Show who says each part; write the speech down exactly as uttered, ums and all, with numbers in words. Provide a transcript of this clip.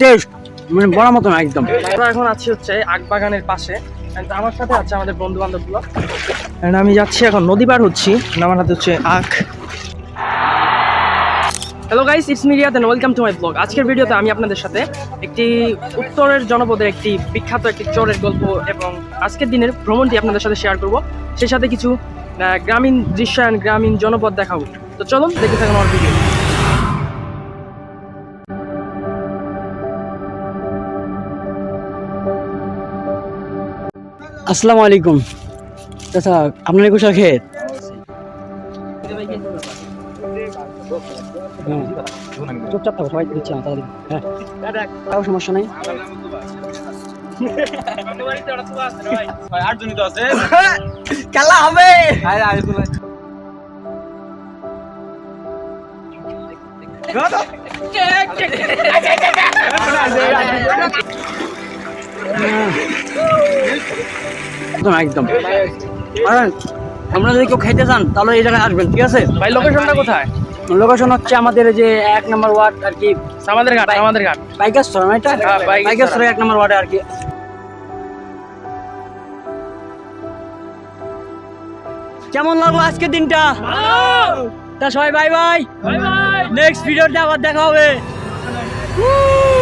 Speaker 1: Test মানে বড় মতো না একদম।
Speaker 2: আমরা এখন আছি হচ্ছে আখবাগানের পাশে, and আমার সাথে আছে আমাদের বন্ধু বান্ধবগুলো। And আমি যাচ্ছি এখন নদী পার হচ্ছি, আমার হাতে হচ্ছে আখ। Hello guys, it's me Riyad and welcome to my blog. আজকের ভিডিওতে আমি আপনাদের সাথে একটি উত্তরের জনপদের একটি বিখ্যাত একটি চোরের গল্প এবং আজকের দিনের ভ্রমণটি আপনাদের সাথে শেয়ার করব, সেই সাথে কিছু আহ, গ্রামীণ দৃশ্যায়ন, গ্রামীণ জনপদ দেখাবো। তো চলুন দেখতে থাকুন আমার ভিডিও।
Speaker 1: আসসালামু আলাইকুম চাচা, আপনার কুশল খেত? হ্যাঁ, চুপচাপ থাকো, সবাই দিচ্ছে না তাড়াতাড়ি। হ্যাঁ, তাও সমস্যা নাই। খেলা হবে। একদম একদম। আর আপনারা যদি কেউ খেতে চান তাহলে এই জায়গায় আসবেন, ঠিক আছে
Speaker 2: ভাই লোকেশনটা কোথায়?
Speaker 1: লোকেশন হচ্ছে আমাদের যে এক নম্বর ওয়ার্ড আর কি,
Speaker 2: আমাদের ঘাট, আমাদের ঘাট
Speaker 1: বাইকারস্থল না এটা?
Speaker 2: হ্যাঁ, বাইকারস্থল।
Speaker 1: বাইকারস্থল এক নম্বর ওয়ার্ডে আর কি। কেমন লাগলো আজকের দিনটা? তা সবাই bye bye,
Speaker 2: bye bye.
Speaker 1: Next ভিডিওতে আবার দেখা হবে।